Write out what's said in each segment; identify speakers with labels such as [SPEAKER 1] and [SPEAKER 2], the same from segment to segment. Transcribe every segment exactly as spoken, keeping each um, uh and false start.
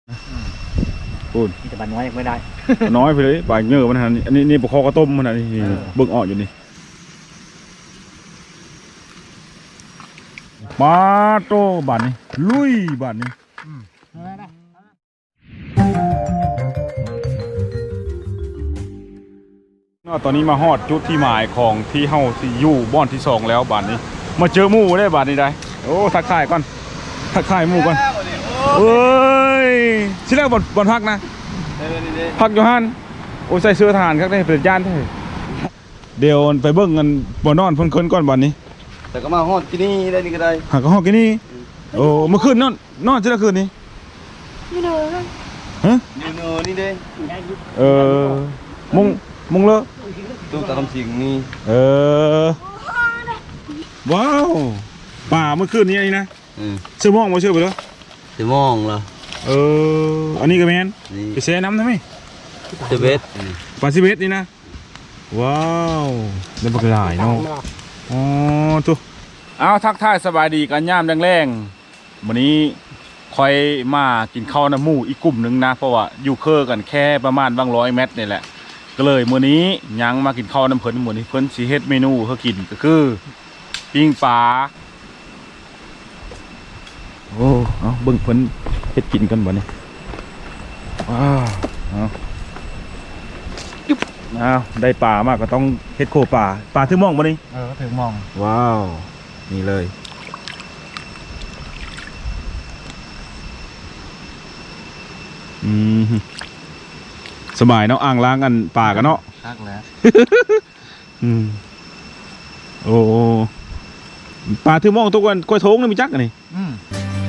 [SPEAKER 1] ปูน
[SPEAKER 2] แต่บานน้อยยังไม่ได้
[SPEAKER 1] น้อยไปเลยปลาเยอะมันหันอันนี้นี่ปลาคอกระต้มมันหันนี่เบิ่งออกอยู่นี่มาโตบานนี้ลุยบานนี้ตอนนี้มาฮอดจุดที่หมายของที่เฮาที่อยู่บ้านที่สองแล้วบานนี้มาเจอหมู่ได้บานนี้ได้โอ้ทักทายก่อนทักทายหมู่ก่อนเอ้ยที่แรกบนบนพักนะพักอยู่ฮั่นโอ้ใส่เสื้อทหารครับได้เป็นย่านแท้เดี๋ยวไปเบิ่งกันบ่นอนเพิ่นคืนก่อนบานนี้
[SPEAKER 3] แต่ก็มาฮอดที่นี่ได้นี่ก็ได้
[SPEAKER 1] หากก็ฮอดกินนี่โอ้เมื่อคืนนอนนอนที่ละคืนนี้
[SPEAKER 3] นี่เด้อฮะนี่เด้อนี่เด้
[SPEAKER 1] เออมุงมุงเลอะ
[SPEAKER 3] ตู้ตาลำสิงนี่
[SPEAKER 1] เออว้าวป่าเมื่อคืนนี้นี่นะเสื้อม่วงมาเชื่อไปแล้ว
[SPEAKER 3] เสื้อม่วงเหรอ
[SPEAKER 1] เอออันนี้ก็แมนไปแช่น้ำได้ไหม
[SPEAKER 3] เสื้อเบส
[SPEAKER 1] ปลาซิเบสนี่นะว้าวเดินปลาไหลเนาะอ๋อทุกเอาทักทายสบายดีกันย่ามแรงๆวันนี้คอยมากินข้าวน้ำหมูอีกกลุ่มหนึ่งนะเพราะว่าอยู่เคอกันแค่ประมาณบางร้อยเมตรนี่แหละก็เลยมื้อนี้ยังมากินข้าวน้ำเพิ่นมื้อนี้เพิ่นสิเฮ็ดเมนูเฮากินก็คือปิ้งปลาโอ้เอาเบิ่งเพิ่นเฮ็ดกินกันบ่นี่ว้าวเอาเอาได้ปลามากก็ต้องเฮ็ดโคปลาปลาถึงมองบ่นี่
[SPEAKER 2] เออถึงมอง
[SPEAKER 1] ว้าวนี่เลยอืมสบายเนาะอ่างล้างกันป่ากันเนาะ
[SPEAKER 2] คักแล้ว
[SPEAKER 1] อืมโอ้ปลาถือมองทุกวันกล้วยโถงนี่มีจักกันนี่อืม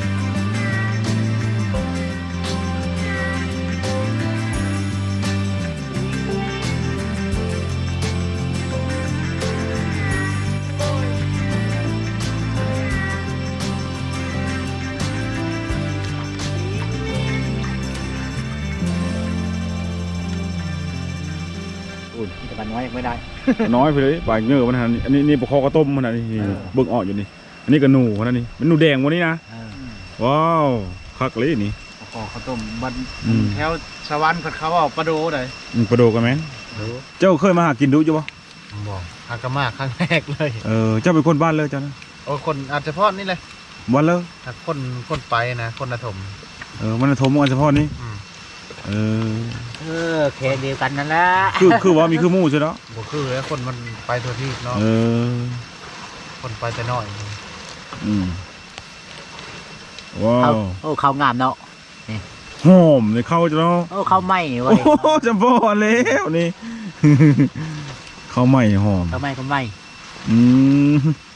[SPEAKER 2] แต่บานน้อยยังไม่ได้
[SPEAKER 1] น้อยไปเลยปลาเยอะมันหันอันนี้นี่ปลาคอกระต้มมันหันนี่เบิ่งออกอยู่นี่อันนี้ก็หนูมันนี่มันหนูแดงวันนี้นะว้าวคักเลยนี่
[SPEAKER 2] ปลาคอข้าวต้มบันแถวชาวบ้านเขาเอาปลาโดเลย
[SPEAKER 1] ปลาโดกันไหมเจ้าเคยมาหากินดูจ้ะบ่
[SPEAKER 2] บอกหากมาครั้งแรกเลย
[SPEAKER 1] เออเจ้าเป็นคนบ้านเลยจ้ะนะ
[SPEAKER 2] โอ้คนอาจจะพอดนี่เลย
[SPEAKER 1] บ้านเลย
[SPEAKER 2] ถ้าคนคนไปนะคนละถม
[SPEAKER 1] เออมันละถมอันเฉพาะนี้เออ
[SPEAKER 2] เออแค่เดียวกันนั่นแหละ
[SPEAKER 1] คือคือว่ามีคือมู่ใช่เนาะ
[SPEAKER 2] บ่คือแล้วคนมันไปทั่วที่เนาะ
[SPEAKER 1] เออ
[SPEAKER 2] คนไปแต่น้อย
[SPEAKER 1] อืมว้าว
[SPEAKER 2] โอ้ข้าวงามเนาะ
[SPEAKER 1] หอมเลยเข้าจะเนาะ
[SPEAKER 2] โอ้ข้าวไหม้เว้ย
[SPEAKER 1] โอ้จำพอแล้วนี่ข้าวไหม้หอม
[SPEAKER 2] ข้าวไหม้ข้าวไหม้
[SPEAKER 1] อืม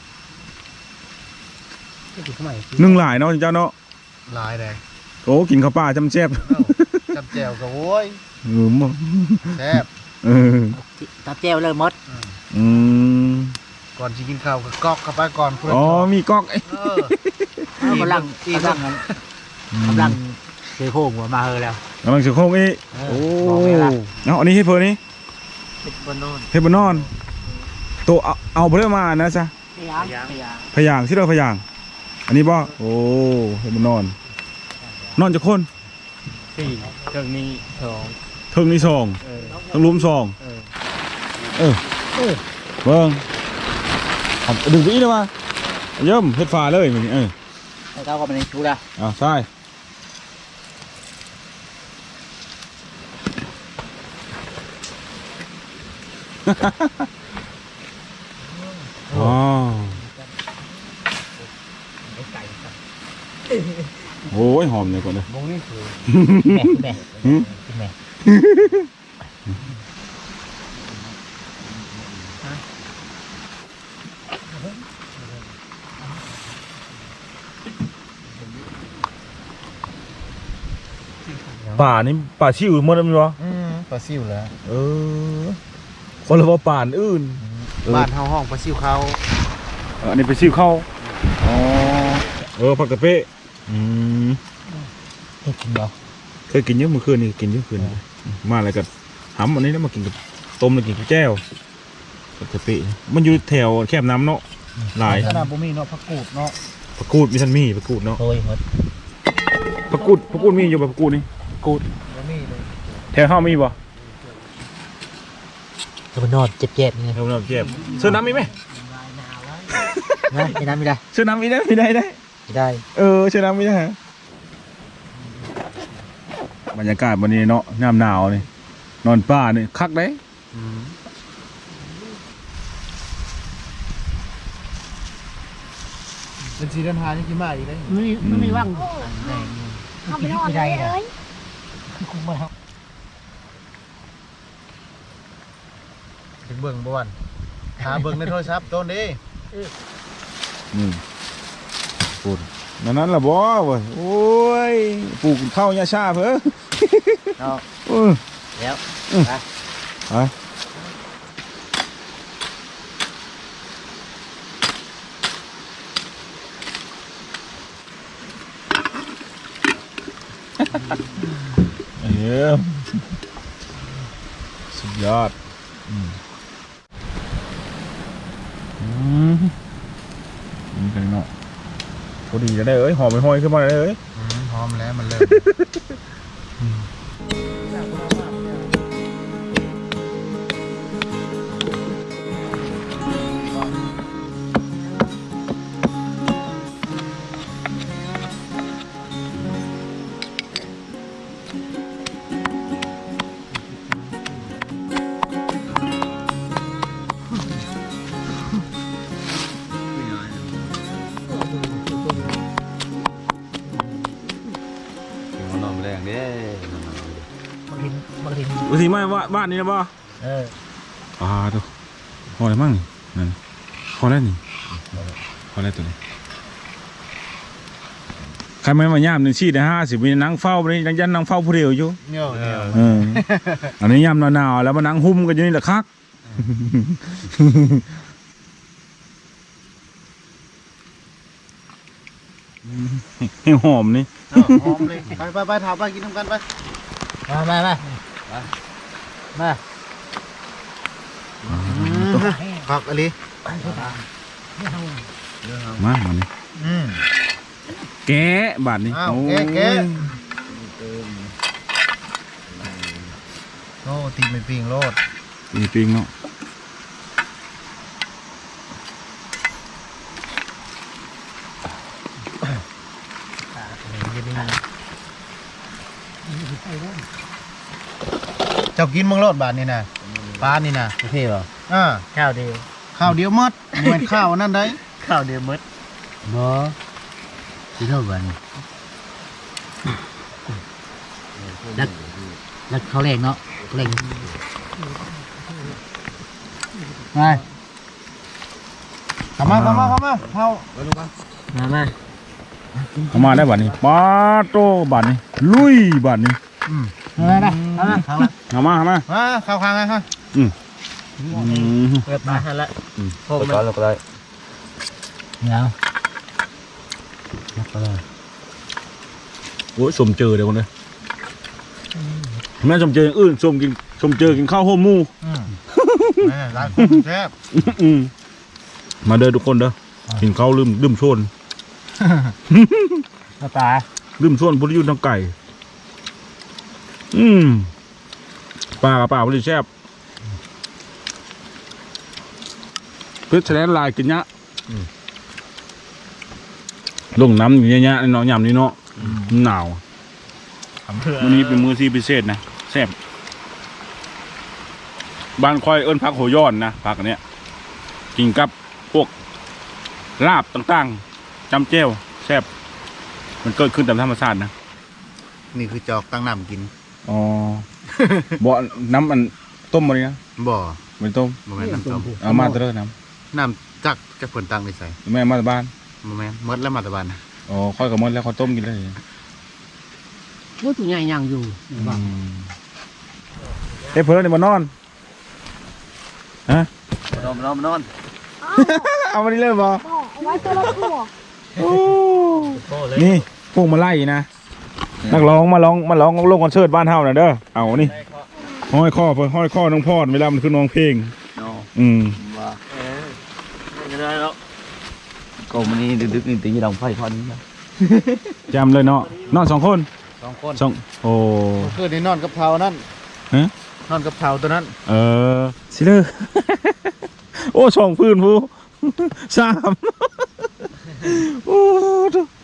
[SPEAKER 1] นึ่งหลายเนาะเจ้าเนาะ
[SPEAKER 2] หลายเลย
[SPEAKER 1] โอ้กินข้าวปลาจำแซ่บ
[SPEAKER 2] จำแจ่วกับโว้ย
[SPEAKER 1] เออมั้ง
[SPEAKER 2] แซ่บ
[SPEAKER 1] เออ
[SPEAKER 2] จำแจ่วเลยมด
[SPEAKER 1] อืม
[SPEAKER 2] ก่อนจะกินข้าวก็ก๊อกเข้าไปก่อน
[SPEAKER 1] อ๋อมีก๊อก
[SPEAKER 2] เออกำลังกำลังกำลังเสือโค้งหัวมาเฮอแล้ว
[SPEAKER 1] กำลังเสือโค้งอีโอ้เนาะอันนี้ให้เพื่อนนี่
[SPEAKER 2] เฮ็ดบนนอน
[SPEAKER 1] เฮ็ดบนนอนตัวเอาเอาไปเรื่อยมานะจ๊ะ
[SPEAKER 2] พยาง
[SPEAKER 1] พยางที่เราพยางอันนี้บ่โอ้เฮ็ดบนนอนนอนจะคน
[SPEAKER 2] สี่เทิงนี้สอง
[SPEAKER 1] เทิงนี้สองเทิงลุ้มสองเออเบิ้งดึงไปอีกเลยมาเยิ่มเฮ็ดฝาเลยมันเออ
[SPEAKER 2] ให้เขาก็เป็นชูละ
[SPEAKER 1] อ่าใช่อ๋อโอ้ยหอมเลยก่อนเลย
[SPEAKER 2] แม่แม่แม่
[SPEAKER 1] ป่านี่ป่าชิวหมดแล้วมั้ยวะ
[SPEAKER 2] ปลาซิวแล้ว
[SPEAKER 1] เออคนละว่าป่านอื่น
[SPEAKER 2] บ้านเฮาห้องปลาซิวเขา
[SPEAKER 1] อันนี้ไปซิวเข้าอ๋อเออผักกะเป๊ะอืม
[SPEAKER 2] เคยกินเหรอ
[SPEAKER 1] เคยกินเยอะเมื่อคืนนี่กินเยอะคืนมาอะไรกับหำอันนี้แล้วมากินกับต้มแล้วกินกับแก้วผักกะเป๊ะมันอยู่แถวแคบน้ำเนาะหลาย
[SPEAKER 2] ขนาดบุมีเนาะผักกูดเนาะ
[SPEAKER 1] ผักกูดมีทันมีผักกูดเนาะ
[SPEAKER 2] โอ้ยหมด
[SPEAKER 1] ผักกูดผักกูดมีอยู่บ่ผักกูดนี่
[SPEAKER 2] กูดแล้วนี่เลย
[SPEAKER 1] แถวเฮามีบ่
[SPEAKER 2] จะมานอนเจ็บเจ็บนี่
[SPEAKER 1] แถวเราเจ็บซื้อน้ำมีไหม
[SPEAKER 2] นะไม่ได้ไม่ได้
[SPEAKER 1] ซื้อน้ำมีได้มีได้ได้
[SPEAKER 2] ไม่ได้
[SPEAKER 1] เออซื้อน้ำมีได้ฮะบรรยากาศวันนี้เนาะน้ำหนาวนี่นอนป่านี่คักได้
[SPEAKER 3] เป็นสีเดินหานี่กินมาอีกได้
[SPEAKER 2] ไม่ไม่มีว่าง
[SPEAKER 4] เอาไปนอนเลยเลย
[SPEAKER 2] คุ้มมาก
[SPEAKER 3] ถึงเบิ่งบ่วันหาเบิ่งในโทรศัพท์ต้นดิ
[SPEAKER 1] นี่พูดนั่นนั่นล่ะบ่เว้ยโอ้ยปลูกข้าวยาชาเพิ่น
[SPEAKER 2] เอา
[SPEAKER 1] เออ
[SPEAKER 2] แล้ว
[SPEAKER 1] ไปเยี่ยมสุดยอดอืมอืมนี่กันเนาะพอดีจะได้เอ้ยหอมไปห้อยขึ้นมาเลยเอ้ย
[SPEAKER 3] พร้อมแล้วมันเริ่ม
[SPEAKER 5] นอนแรงเด้
[SPEAKER 2] บางทีบางที
[SPEAKER 1] อุทิมาว่าบ้านนี้นะบ่
[SPEAKER 2] เออ
[SPEAKER 1] อ่าดูพออะไรมั่งนั่นพอแล้วนี่พอแล้วตัวนี้ใครไม่มาย่ามหนึ่งชีดนะห้าสิบมีนั่งเฝ้าไปนี่ยังยันนั่งเฝ้าผู้เดียวอยู่
[SPEAKER 3] เนี่ยเนี่ย
[SPEAKER 1] เอออันนี้ย่ามหนาวๆแล้วมานั่งหุ้มกันอยู่นี่แหละคักให้หอมนี่
[SPEAKER 3] หอมเลยไปไปไปถามไปกินน้ำกันไป
[SPEAKER 2] มามามามา
[SPEAKER 3] ผักอะไร
[SPEAKER 1] มามานี่
[SPEAKER 3] อืม
[SPEAKER 1] แกะบาทนี่
[SPEAKER 3] อ้าว
[SPEAKER 1] โอ้
[SPEAKER 3] แกะแกะ
[SPEAKER 1] ย
[SPEAKER 3] โอ้ตีไม่ปิงโลด
[SPEAKER 1] มีปิ้งเนาะ
[SPEAKER 3] เจ้ากินมังโลดบาทนี่นะปลานี่นะ
[SPEAKER 2] โอเคป่ะ
[SPEAKER 3] อ่า
[SPEAKER 2] ข้าวเดียว
[SPEAKER 3] ข้าวเดียวหมดเหมือนข้าวนั่นได้
[SPEAKER 2] ข้าวเดียวมดบ่ที่เท่ากันแล้วแล้วเขาแรงเนาะแรงมา
[SPEAKER 3] เข้ามาเข้ามาเข้ามาเข้า
[SPEAKER 2] มามา
[SPEAKER 1] เอามาได้บาทนี่ปาโตบาทนี่ลุยบาทนี่
[SPEAKER 3] อืม
[SPEAKER 2] มาได้มามา
[SPEAKER 3] เข้ามา
[SPEAKER 1] เอามาเอามา
[SPEAKER 3] มาเข้าข้างไงครับ
[SPEAKER 1] อืม
[SPEAKER 2] เปิดมาละ
[SPEAKER 5] โอ้ก็แล้วก็ได้
[SPEAKER 2] เดี๋ยว
[SPEAKER 1] โอ้ยสมเจอเดี๋ยวคนเลยแม่สมเจออย่างอื่นสมกินสมเจอกินข้าวโฮมหมู
[SPEAKER 3] อืมแม่ร้านคนแซ่บ
[SPEAKER 1] อืมมาเด้อทุกคนเด้อกินข้าวลืมลืมชวน
[SPEAKER 2] มาตา
[SPEAKER 1] ลืมชวนพุทธยุทธ์ทางไก่ อืมปลากับปลาพุทธแซ่บเพื่อแสดงลายกินเนี้ยลงน้ำอย่างเงี้ยเนาะยำนี่เนาะหนาววันนี้เป็นมื้อที่พิเศษนะแซ่บบ้านคอยเอิ้นพักโหย้อนนะพักอันเนี้ยกินกับพวกลาบต่างๆจำเจ้วแซ่บมันเกิดขึ้นตามธรรมชาตินะ
[SPEAKER 3] นี่คือจอกตั้งน้ำกิน
[SPEAKER 1] อ๋อ บ่น้ำมันต้มมาเลยนะ
[SPEAKER 3] บ่
[SPEAKER 1] ไม่ต้ม
[SPEAKER 3] บ่แม่นน้ำต้ม
[SPEAKER 1] เอามาเตอร์น้
[SPEAKER 3] น้ำจักจะผลตังในใส่
[SPEAKER 1] ำแม่มาจากบ้าน
[SPEAKER 3] บ่แม่นหมดแล้วมาแตะบาน
[SPEAKER 1] อ๋อค่อยกับมดแล้วค่อยต้มกินเลย
[SPEAKER 2] ว่าตัวใหญ่ยังอยู่
[SPEAKER 1] เฮ้ยเพื่อนนี่มานอนฮะ
[SPEAKER 5] นอนนอนนอน
[SPEAKER 1] เอาวันนี้เลยบ่
[SPEAKER 4] บอกเอาไว้ตัวละตัว
[SPEAKER 1] โอ้นี่พวกมาไล่นะนักร้องมาร้องมาร้องลงคอนเสิร์ตบ้านเฮาน่ะเด้อเอานี่ห้อยข้อเพื่อห้อยข้อน้องพอดเวลามันขึ้นร้องเพลง
[SPEAKER 5] นอน
[SPEAKER 1] อืม
[SPEAKER 5] ว่าเออไม่ได้แล้วก็มันนี่ดึกๆนี่ตีดองไฟพอนี้นะ
[SPEAKER 1] จำเลยเนาะนอนสองคน
[SPEAKER 3] สองคน
[SPEAKER 1] สองโอ้
[SPEAKER 3] เมื่อคืนนี้นอนกับเผานั่น
[SPEAKER 1] ฮะ
[SPEAKER 3] นอนกับเผาตัวนั้น
[SPEAKER 1] เออสิเลอ โอ้ช่องพื้นผู้ สามโอ้ทุก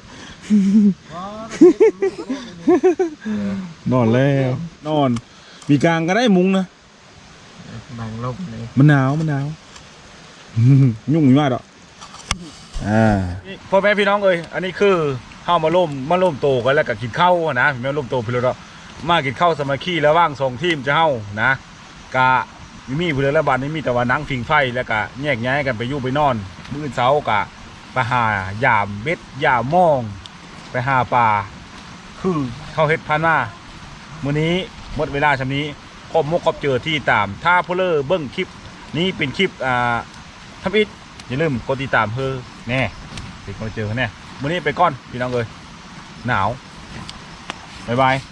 [SPEAKER 1] นอนแล้วนอนมีกลางก็ได้มุ้งนะ
[SPEAKER 2] บางลบเลย
[SPEAKER 1] มันหนาวมันหนาว ยุ่งมากหรอกอ่าพ่อแม่พี่น้องเอ้ยอันนี้คือเข้ามาร่วมมาร่วมโตกันแล้วก็กินข้าวนะพี่แม่ร่วมโตพี่เรามากินข้าวสามัคคีแล้วว่างสองทีมจะเข้านะกะมีผู้เรือระบาดนี่มีแต่ว่านั่งฟิงไฟแล้วก็แยกย้ายกันไปอยู่ไปนอนมื้อเช้ากะไปหายามเบ็ดยามมองไปหาปลาคือเข้าเฮ็ดพันมามื้อนี้หมดเวลาชำนี้ขอบมุกขอบเจอที่ตามถ้าผู้เลอเบิ้งคลิปนี้เป็นคลิปอ่าทำอิฐอย่าลืมกดติดตามเพื่อแน่เป็นคนเจอแน่มื้อนี้ไปก่อนพี่น้องเอ้ยหนาวบ๊ายบาย